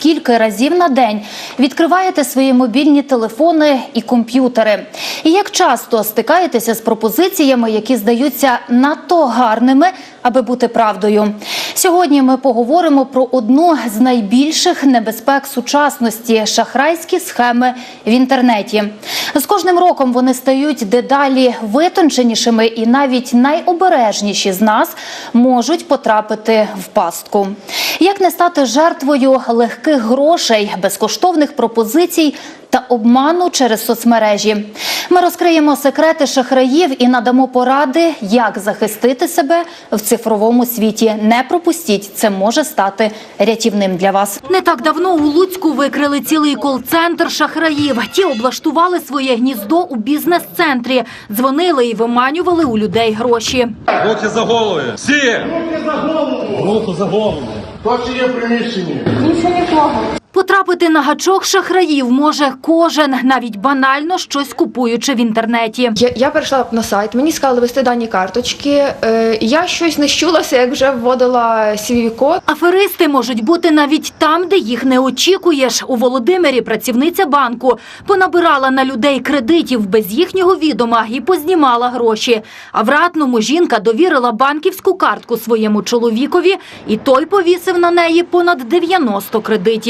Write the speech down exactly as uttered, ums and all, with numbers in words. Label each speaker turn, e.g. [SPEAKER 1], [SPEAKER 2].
[SPEAKER 1] скільки разів на день відкриваєте свої мобільні телефони і комп'ютери? І як часто стикаєтеся з пропозиціями, які здаються надто гарними, аби бути правдою? Сьогодні ми поговоримо про одну з найбільших небезпек сучасності – шахрайські схеми в інтернеті. З кожним роком вони стають дедалі витонченішими, і навіть найобережніші з нас можуть потрапити в пастку. Як не стати жертвою легких грошей, безкоштовних пропозицій та обману через соцмережі? Ми розкриємо секрети шахраїв і надамо поради, як захистити себе в цифровому світі. Не пропустіть, це може стати рятівним для вас.
[SPEAKER 2] Не так давно у Луцьку викрили цілий кол-центр шахраїв. Ті облаштували своє гніздо у бізнес-центрі, дзвонили і виманювали у людей гроші.
[SPEAKER 3] Руки за голови! Всі!
[SPEAKER 4] Руки за голову!
[SPEAKER 3] Руку за голову!
[SPEAKER 4] Хто ще є в приміщенні?
[SPEAKER 5] Нічого нікого.
[SPEAKER 2] Потрапити на гачок шахраїв може кожен, навіть банально щось купуючи в інтернеті.
[SPEAKER 5] Я, я перейшла на сайт, мені сказали ввести дані карточки. Е, я щось не щулася, як вже вводила свій код.
[SPEAKER 2] Аферисти можуть бути навіть там, де їх не очікуєш. У Володимирі працівниця банку понабирала на людей кредитів без їхнього відома і познімала гроші. А в Ратному жінка довірила банківську картку своєму чоловікові, і той повісив на неї понад дев'яносто кредитів.